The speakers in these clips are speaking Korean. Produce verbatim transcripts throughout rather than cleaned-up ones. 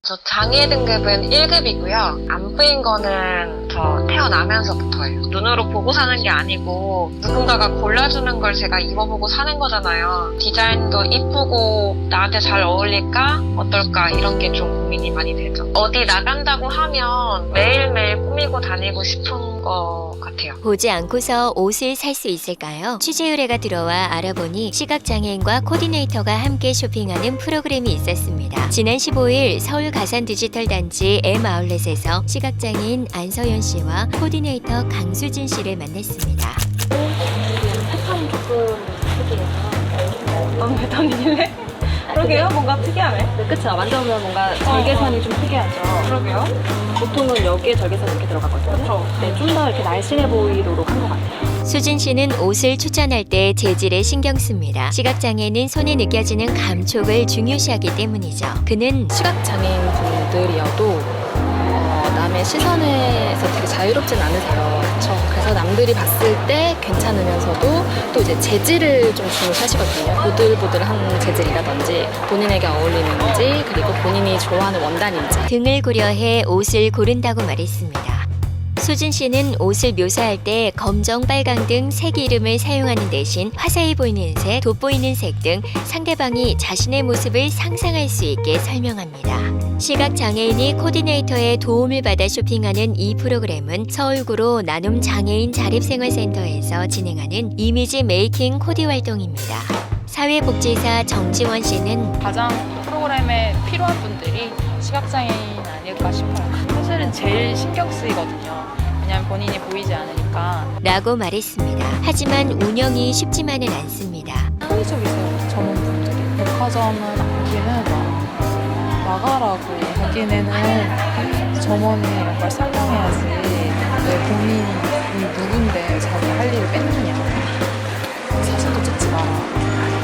저 장애 등급은 일 급이고요. 안 뿌인 거는 저 태어나면서부터예요. 눈으로 보고 사는 게 아니고 누군가가 골라주는 걸 제가 입어보고 사는 거잖아요. 디자인도 이쁘고 나한테 잘 어울릴까? 어떨까? 이런 게 좀 고민이 많이 되죠. 어디 나간다고 하면 매일매일 꾸미고 다니고 싶은 것 같아요. 보지 않고서 옷을 살 수 있을까요? 취재 의뢰가 들어와 알아보니 시각장애인과 코디네이터가 함께 쇼핑하는 프로그램이 있었습니다. 지난 십오일 서울 가산디지털단지 M아울렛에서 시각장애인 안서연 씨와 코디네이터 강수진 씨를 만났습니다. 패턴이 조금 특이해서 너무 패턴이길래? 그러게요. 뭔가 특이하네. 네, 그쵸. 만져보면 뭔가 절개선이 좀 특이하죠. 그러게요. 보통은 여기에 절개선이 이렇게 들어가거든요. 그쵸. 네, 좀 더 이렇게 날씬해 보이도록 한 것 같아요. 수진 씨는 옷을 추천할 때 재질에 신경 씁니다. 시각장애는 손에 느껴지는 감촉을 중요시하기 때문이죠. 그는 시각장애인 분들이어도 어, 남의 시선에서 되게 자유롭진 않으세요. 그렇죠. 그래서 남들이 봤을 때 괜찮으면서도 또 이제 재질을 좀 중요시하시거든요. 보들보들한 재질이라든지 본인에게 어울리는지 그리고 본인이 좋아하는 원단인지. 등을 고려해 옷을 고른다고 말했습니다. 수진 씨는 옷을 묘사할 때 검정, 빨강 등 색 이름을 사용하는 대신 화사해 보이는 색, 돋보이는 색 등 상대방이 자신의 모습을 상상할 수 있게 설명합니다. 시각장애인이 코디네이터의 도움을 받아 쇼핑하는 이 프로그램은 서울구로 나눔 장애인 자립생활센터에서 진행하는 이미지 메이킹 코디 활동입니다. 사회복지사 정지원 씨는 가장 프로그램에 필요한 분들이 시각장애인 아닐까 싶어요. 사실은 제일 신경 쓰이거든요. 왜냐하면 본인이 보이지 않으니까. 라고 말했습니다. 하지만 운영이 쉽지만은 않습니다. 합리적이세요, 전문분들이. 백화점은 아기는 막 나가라고 하기에는 점원이 이런 걸 설명해야지 왜 본인이 누군데 자기 할 일을 뺏느냐. 사진도 찍지 마라.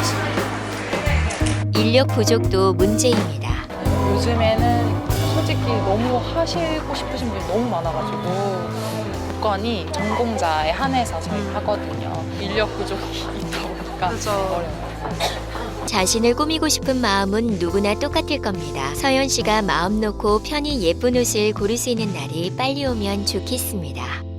인력 부족도 문제입니다. 요즘에는 솔직히 너무 하시고 싶으신 분이 너무 많아가지고 조건이 전공자에 한해서 저희가 하거든요. 인력 부족이 있다 보니까 어려워요. 자신을 꾸미고 싶은 마음은 누구나 똑같을 겁니다. 서연 씨가 마음 놓고 편히 예쁜 옷을 고를 수 있는 날이 빨리 오면 좋겠습니다.